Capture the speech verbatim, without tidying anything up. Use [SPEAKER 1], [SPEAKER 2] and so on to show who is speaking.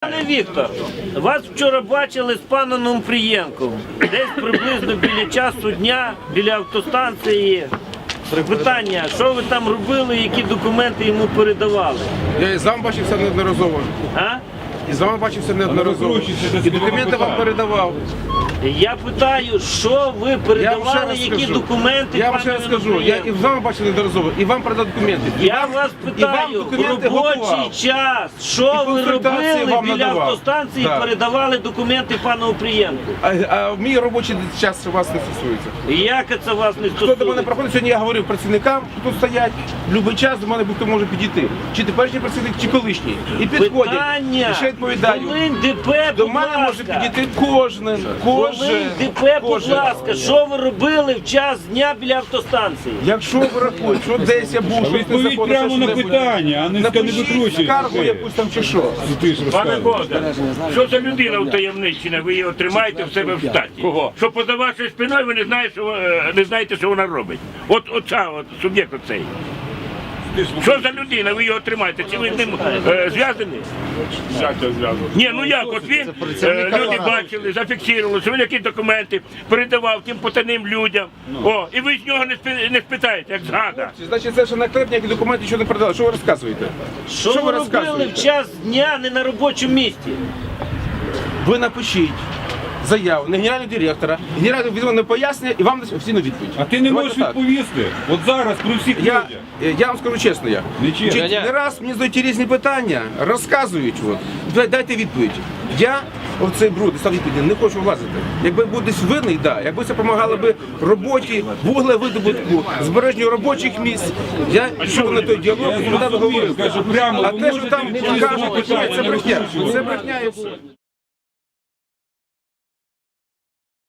[SPEAKER 1] Пане Віктор, вас вчора бачили з паном Нумфрієнком. Десь приблизно біля часу дня, біля автостанції. Питання, що ви там робили, які документи йому передавали?
[SPEAKER 2] Я і з вами бачився неодноразово.
[SPEAKER 1] А?
[SPEAKER 2] І з вами бачився неодноразово. І документи вам передавав.
[SPEAKER 1] Я питаю, що ви передавали, які
[SPEAKER 2] скажу.
[SPEAKER 1] документи
[SPEAKER 2] Я вам ще
[SPEAKER 1] пану
[SPEAKER 2] раз скажу, я і з вами бачив неодноразово, і вам передав документи. І
[SPEAKER 1] Я
[SPEAKER 2] вам,
[SPEAKER 1] вас
[SPEAKER 2] і вам
[SPEAKER 1] питаю, в
[SPEAKER 2] документи
[SPEAKER 1] робочий
[SPEAKER 2] готував.
[SPEAKER 1] час,
[SPEAKER 2] І
[SPEAKER 1] що ви
[SPEAKER 2] консультації
[SPEAKER 1] робили
[SPEAKER 2] вам
[SPEAKER 1] біля
[SPEAKER 2] надавав.
[SPEAKER 1] автостанції і
[SPEAKER 2] Да.
[SPEAKER 1] передавали документи пану Опрієнку?
[SPEAKER 2] А, а мій робочий час вас не стосується.
[SPEAKER 1] Як це вас не
[SPEAKER 2] Хто до мене
[SPEAKER 1] стосується?
[SPEAKER 2] проходить, сьогодні я говорив працівникам, що тут стоять, в будь-який час до мене будь-хто може підійти. Чи теперішній працівник, чи колишній. І підходять.
[SPEAKER 1] Питання,
[SPEAKER 2] І ще відповідаю.
[SPEAKER 1] Волинь ДП,
[SPEAKER 2] До
[SPEAKER 1] будь
[SPEAKER 2] мене може
[SPEAKER 1] ласка.
[SPEAKER 2] підійти кожен,
[SPEAKER 1] Волинь
[SPEAKER 2] кожен,
[SPEAKER 1] ДП, будь
[SPEAKER 2] кожен.
[SPEAKER 1] ласка, що ви робили в час дня біля автостанції?
[SPEAKER 2] Якщо ви рахуєте, що десь я був, що
[SPEAKER 3] Відповідь прямо на питання, а не не
[SPEAKER 2] напишіть
[SPEAKER 3] викручуйте.
[SPEAKER 2] скаргу якусь там чи що.
[SPEAKER 3] Ти ж
[SPEAKER 4] Пане
[SPEAKER 3] розказуєш.
[SPEAKER 4] Богдан, що за людина утаємничена, ви її тримаєте в себе в штаті? Кого? Що поза вашою спиною ви не знаєте, що, е, не знаєте, що вона робить. От оця, от, суб'єкт оцей. Що за людина, ви його тримаєте? Чи ви з ним е, зв'язані? Ні, ну як, от він, е, люди бачили, зафіксували, що він якісь документи передавав тим потайним людям. О, і ви з нього не, спи- не спитаєте, як згада.
[SPEAKER 2] Значить, це ще наклеп, ніякі документи, що не передали. Що ви розказуєте?
[SPEAKER 1] Що,
[SPEAKER 2] Що
[SPEAKER 1] ви
[SPEAKER 2] ви
[SPEAKER 1] робили
[SPEAKER 2] розказуєте?
[SPEAKER 1] в час дня не на робочому місці?
[SPEAKER 2] Ви напишіть заяву на генерального директора, генеральний відповідне пояснення і вам дасть офіційну відповідь.
[SPEAKER 3] А ти не
[SPEAKER 2] Давайте
[SPEAKER 3] можеш
[SPEAKER 2] так.
[SPEAKER 3] відповісти. От зараз при всіх
[SPEAKER 2] Я,
[SPEAKER 3] людях.
[SPEAKER 2] я вам скажу чесно, я.
[SPEAKER 3] Не чесно.
[SPEAKER 2] Чи не раз мені задають різні питання, розказують, от. Дай- дайте відповідь. Я в цей бруд став відповіді, не хочу влазити. Якби був десь винний, да. Якби це допомагало би роботі, вуглевидобутку, збереженню робочих місць, я йшов на той діалог і туди би говорив.
[SPEAKER 3] Кажу, прямо,
[SPEAKER 2] А
[SPEAKER 3] ви
[SPEAKER 2] те, що
[SPEAKER 3] можете
[SPEAKER 2] там
[SPEAKER 3] відповісти на
[SPEAKER 2] кажуть,
[SPEAKER 3] питання,
[SPEAKER 2] це
[SPEAKER 3] не
[SPEAKER 2] брехня.
[SPEAKER 3] викручуйте.
[SPEAKER 2] Це брехня.